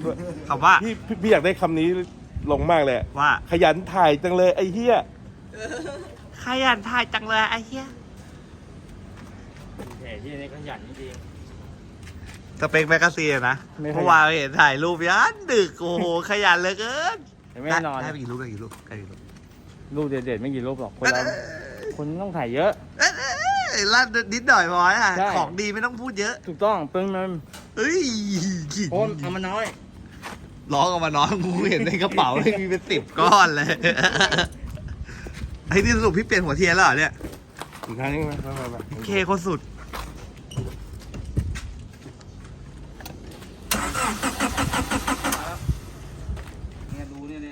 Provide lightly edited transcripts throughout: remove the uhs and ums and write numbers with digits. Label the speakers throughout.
Speaker 1: คำว่า
Speaker 2: พี่อยากได้คำนี้ลงมากเลย
Speaker 1: ว่า
Speaker 2: ขยันถ่ายจังเลยไอ้เหี้ย
Speaker 1: ขยันถ่ายจังเลยไอ้เหี้ย
Speaker 3: แต่ที่นี่ขยันจริง
Speaker 1: สเปคแมกกาซีนนะเมื่อวานเห็นถ่ายรูปยันดึกโอ้โหขยันเหลือเกิน
Speaker 3: ไม่นอน
Speaker 1: ได้ไปกี่รูปได้กี่รูปได้กี่รูป
Speaker 3: รูปเด็ดๆไม่กี่รูปหรอกคนเราคนต้องถ่ายเยอะ
Speaker 1: ลั่นนิดหน่อยพออ่ะ
Speaker 3: ใช่
Speaker 1: ของดีไม่ต้องพูดเยอะ
Speaker 3: ถูกต้องเพิ่งมัน
Speaker 1: เอ้ย
Speaker 3: โอนเอามาน้อย
Speaker 1: ร้องออกมาน้องกูเห็นในกระเป๋าเลยมีเป็น10 ก้อนเลยไอ้นี่สรุปพี่เปลี่ยนหัวเทียนแล้วเหรอเนี่ย
Speaker 2: อีกครั้งนึงไหมมา
Speaker 1: เคคนสุด
Speaker 3: เนี่ยดูเนี่ย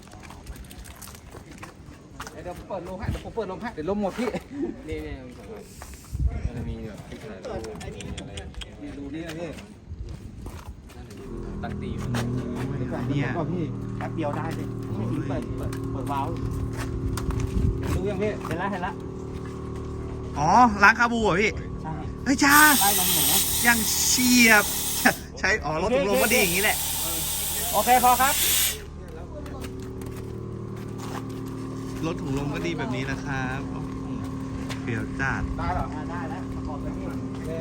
Speaker 3: เดี๋ยวเปิดลมให้เดี๋ยวผมเปิดลมให้เดี๋ยวลมหมดพี่นี่มันมีแบบดูนี่นะพี่ตั้งตีมัน
Speaker 1: เนี่ย
Speaker 3: ก็พี่แป๊บเดียวได้เลยไม่ถึงเปิดวาล์วดูยังพี่เห็นละ
Speaker 1: อ๋อล้างคาบูเหรอพี่
Speaker 3: ใช่
Speaker 1: เฮ้ยจ้า
Speaker 3: ได้ลมหมู
Speaker 1: ยังเฉียบ ใช้อ๋อรถถุงลมก็ดีอย่างนี้แหละ
Speaker 3: โอเคพอครับ
Speaker 1: รถถุงลมก็ดีแบบนี้นะครับเปรียวจัด
Speaker 3: ได้หรอได้แล้วประกอบกันนี่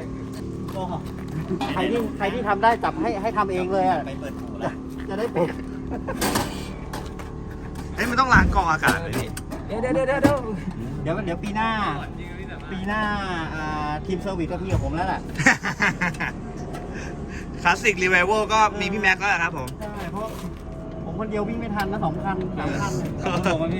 Speaker 3: ใครที่ทำได้จับให้ทำเองเลยอ่ะไปเปิดหูแล้วจะได้เป็น
Speaker 1: เอ้ยมันต้องล้างกรองอากาศเลยพี่
Speaker 3: เดี๋ยวปีหน้าทีมเซอร์วิสก็พี่กับผมแล้วแหละ
Speaker 1: คลาสสิกรีไวเวลก็มีพี่แม็กซ์แล้วครับผม
Speaker 3: ใช่เพราะผมคนเดียววิ่งไม่ทันนะ2 คัน 3 คันผมพี่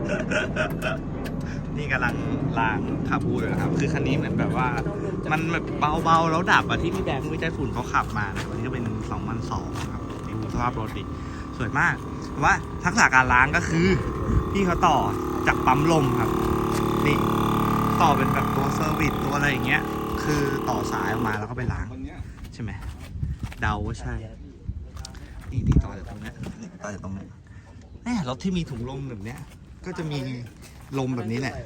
Speaker 1: นี่กำลังล้างคาบูอยู่นะครับ คือคันนี้เหมือนแบบว่า มันแบบเบาๆแล้วดับอะที่พี่แบงค์วิจัยฝุ่นเขาขับมานะวันนี้ก็เป็น2002ครับนี่ดูสภาพรถดิสวยมากแต่ว่าทักษะการล้างก็คือ พี่เขาต่อจากปั๊มลมครับ นี่ต่อเป็นแบบตัวเซอร์วิสตัวอะไรอย่างเงี้ย คือต่อสายออกมาแล้วก็ไปล้างใช่ไหมเดาว่าใช่ นี่ต่อจากตรงนี้ต่อจากตรงนี้แน่รถที่มีถุงลมแบบเนี้ยก็จะมีลมแบบนี้แหละ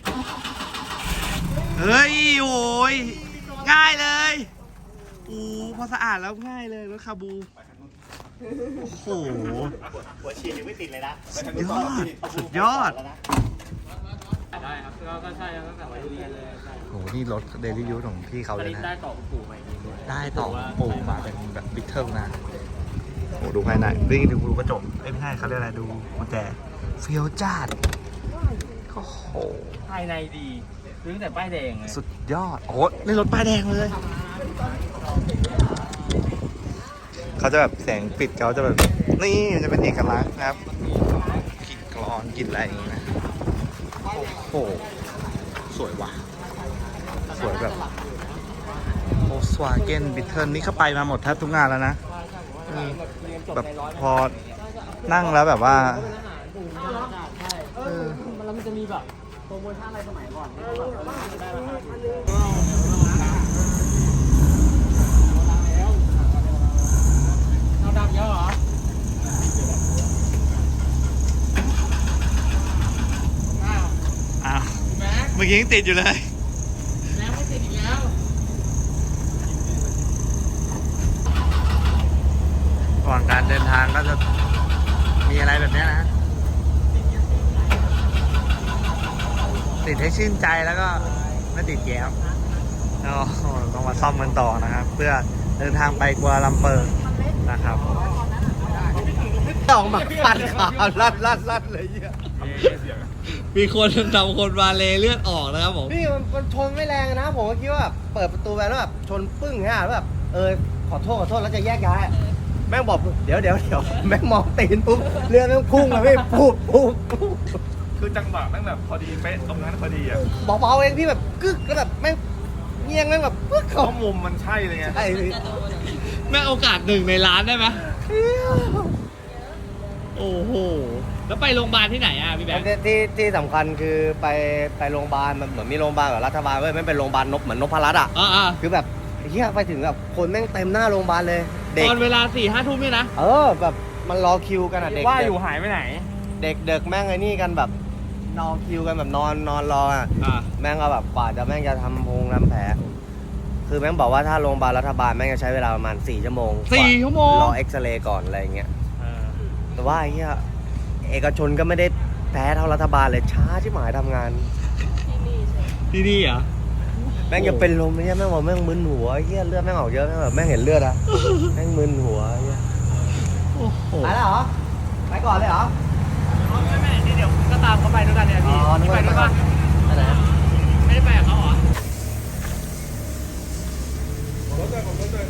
Speaker 1: เฮ้ยโอ้ยง่ายเลยอู้พอสะอาดแล้วง่ายเลยรถคาบู โอ้โห
Speaker 3: หัวฉีดยังไม่ติดเลยนะ
Speaker 1: สุดยอด
Speaker 3: ได้ครับก็ใช่ตั้งแต่วัยเรียนเลย
Speaker 1: โอ้โห นี่รถเดลิยูของพี่เขาเลยนะ
Speaker 3: ได้ต่อปู่ใหม่ดี
Speaker 1: ได้ต่อปูมาเป็นแบบบิ๊กเทิลนะโอ้ดูภายในดูกระจกไม่ใช่เขาเรียกอะไรดูกุญแจเฟี้ยวจ้าดโอ้โห
Speaker 3: ภายในดีซื้อแต่ป้ายแดงเลย
Speaker 1: สุดยอด โอ้โหนี่รถป้ายแดงเลย เขาจะแบบแสงปิดเขาจะแบบ นี่มันจะเป็นเอกลักษณ์นะครับกลิ่นกลอนกลิ่นอะไรอย่างงี้นะ โอ้โห สวยว่ะ สวยแบบโ o สวาเกนบิทเทิลนี่เข้าไปมาหมดแทบทุกงานแล้วนะนี่แบบพอนั่งแล้วแบบว่า
Speaker 3: แล้วมันจะมีแบบโปรโมชั่นอะไรสมัยก่อนได้ราคาเราดับเยอะเหรอ
Speaker 1: อ้าวเมื่อกี้ยังติดอยู่เลย
Speaker 3: แล้วไม่ติดอีกแล้ว
Speaker 1: ระหว่างการเดินทางก็จะมีอะไรแบบเนี้ยนะ ติดให้ชื่นใจแล้วก็ไม่ติดแย้มแล้วต้องมาซ่อมกันต่อนะครับ เพื่อเดินทางไปกัวลาลัมเปอร์นะครับต้องมาฟันขาลั่นเลยเยอะมีคนทำคนมาเลเลือดออกนะครับผม
Speaker 4: พี่มันชนไม่แรงนะผมก็คิดว่าแบบเปิดประตูไปแล้วแบบชนปึ้งฮะแล้วแบบขอโทษแล้วจะแยกย้ายแม่งบอกเดี๋ยวแม่งมองตีนปุ๊บเรือแม่งพุ่งเลยพี่ปุ๊บ
Speaker 2: คือจังหวะแม่งแบบพอดีเป๊ะตรงนั้นพอดีอ่ะ
Speaker 4: เบาๆเองพี่แบบกึกแล้วแบบแม่งเงียงแม่งแบบปึ๊ก
Speaker 2: เพ
Speaker 4: เขา
Speaker 2: ราะมุมมันใช่เลยไง
Speaker 4: ไอ้พี่
Speaker 1: แม่โอกาส1 ในล้านได้ไหมโอ้โห แล้วไปโรงพยาบาลที่ไหนอ่ะพี่แบงค์
Speaker 4: ที่สำคัญคือไปโรงพยาบาลมันเหมือนมีโรงพยาบาลกับรัฐบาลเว้ยไม่เป็นโรงพยาบาลเหมือนนพรัตน์อ่ะ
Speaker 1: อ่า
Speaker 4: คือแบบเฮียไปถึงแบบคนแม่งเต็มหน้าโรงพยาบาลเลยเด็ก
Speaker 1: ตอนเวลา4-5 ทุ่มนี่นะ
Speaker 4: แบบมันรอคิวกันอ่ะเด็ก
Speaker 3: ว่าอยู่หายไปไหน
Speaker 4: เด็กแม่งไอ้นี่กันแบบรอคิวกันแบบนอนรออ่ะ
Speaker 1: อ่า
Speaker 4: แม่งก็แบบกว่าจะแม่งจะทำแผลคือแม่งบอกว่าถ้าโรงพยาบาลรัฐบาลแม่งจะใช้เวลาประมาณ4 ชั่วโมง
Speaker 1: 4 ชั่วโมง
Speaker 4: รอเอ็กซเรย์ก่อนอะไรอย่างเงี้ยแต่ว่าไอ้เหี้ยเอกชนก็ไม่ได้แพ้เท่ารัฐบาลเลยช้าที่หมายทำงาน
Speaker 1: ที่นี่เหรอ
Speaker 4: แม่งจะเป็นลมไอ้เหี้ยแม่งบอกแม่งมึนหัวไอ้เหี้ยเลือดแม่งออกเยอะแม่งแบบแม่งเห็นเลือดอะ แม่งมึนหัวไอ้เหี้ย
Speaker 1: โอ้โห
Speaker 4: ไปแล้วเหรอไปก่อนเลยเหรอ
Speaker 3: ไม่นี่เดี๋ยวก็ตามเขาไปด้วยกันเนี่ยพี่
Speaker 4: นึกว่าไปไหน
Speaker 3: ไม่ได้ไปกับเขาเหรอ
Speaker 2: รถเลยผมรถเลย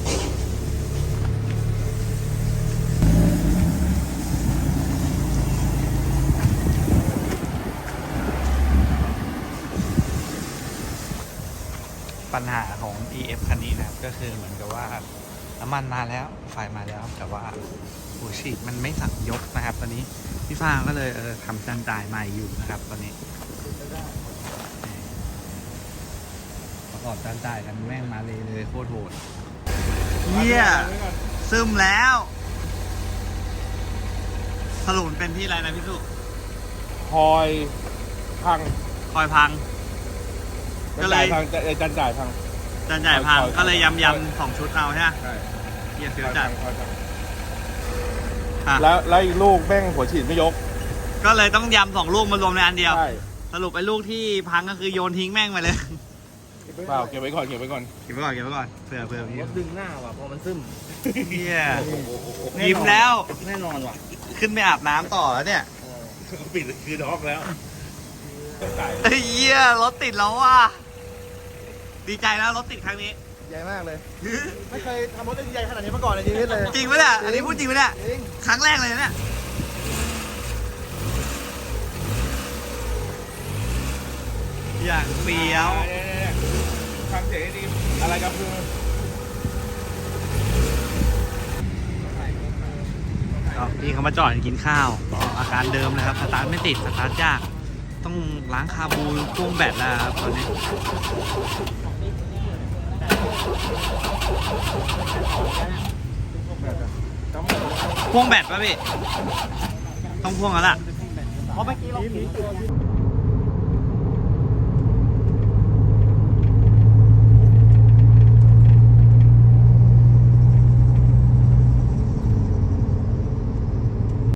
Speaker 1: ปัญหาของ EF คันนี้นะครับก็คือเหมือนกับว่าน้ำมันมาแล้วไฟมาแล้ว แต่ว่าหัวฉีดมันไม่สั่งยกนะครับ ตอนนี้พี่ฟางก็เลยทำจานจ่ายใหม่อยู่นะครับ ตอนนี้ประกอบจานจ่ายกันแม่งมาเลยโคตรโหดเยี่ยซึมแล้ว สรุปเป็นที่อะไรนะพี่สุ
Speaker 2: คอยพัง
Speaker 1: คอยพัง ก็เลย
Speaker 2: พังจันจ่ายพัง
Speaker 1: จานจ่ายพัง
Speaker 2: คอย
Speaker 1: ก็เลยยำ2 ชุดเอาใช่ไหม
Speaker 2: ใช่
Speaker 1: เยี่ย
Speaker 2: ค
Speaker 1: เฟี้ย
Speaker 2: อ
Speaker 1: วย จั
Speaker 2: พั
Speaker 1: ด
Speaker 2: งคอยพัง
Speaker 1: อ่ะ
Speaker 2: แล้วอีกลูกแม่งหัวฉีดไม่ยก
Speaker 1: ก็เลยต้องยำ2 ลูกมารวมในอันเดียว
Speaker 2: ใช่
Speaker 1: สรุปไอ้ลูกที่พังก็คือโยนทิ้งแม่งไปเลย
Speaker 2: เปล่าเก็บไว้ก่อนเก็บไว้ก่อน
Speaker 1: เก็บไว้ก่อนเก็บไว้ก่อนเผื่อพี่
Speaker 3: รถดึงหน้าว่ะพอมันซึม
Speaker 1: เฮียยิ้มแล้ว
Speaker 3: แน่นอนว่ะ
Speaker 1: ขึ้นไปอาบน้ำต่อแล้วเนี่ย
Speaker 2: ปิดคือด็อกแล้วจ่าย
Speaker 1: เฮ้ยเฮียรถติดแล้วว่ะดีใจแล้วรถติดครั้งนี้
Speaker 4: ใหญ่มากเลย ไม่เคยทำรถได้ใหญ่ขนาดนี้มาก่อนในชีวิตเลย
Speaker 1: จริงไหมเนี่ยอันนี้พูดจริงไหมเนี่ย
Speaker 4: จริง
Speaker 1: ครั้งแรกเลยนะเนี่ยอย่างเฟี้ยว
Speaker 2: ฟังเสียงให้ดีอะไรครับคือ
Speaker 1: พี่เขามาจอดกินข้าวอาการเดิมเลยครับสตาร์ทไม่ติดสตาร์ทยากต้องล้างคาบูพ่วงแบตแล้วครับตอนนี้พ่วงแบตป่ะพี่ต้องพ่วงแล้วล่ะ
Speaker 4: เพราะเมื่อกี้เรา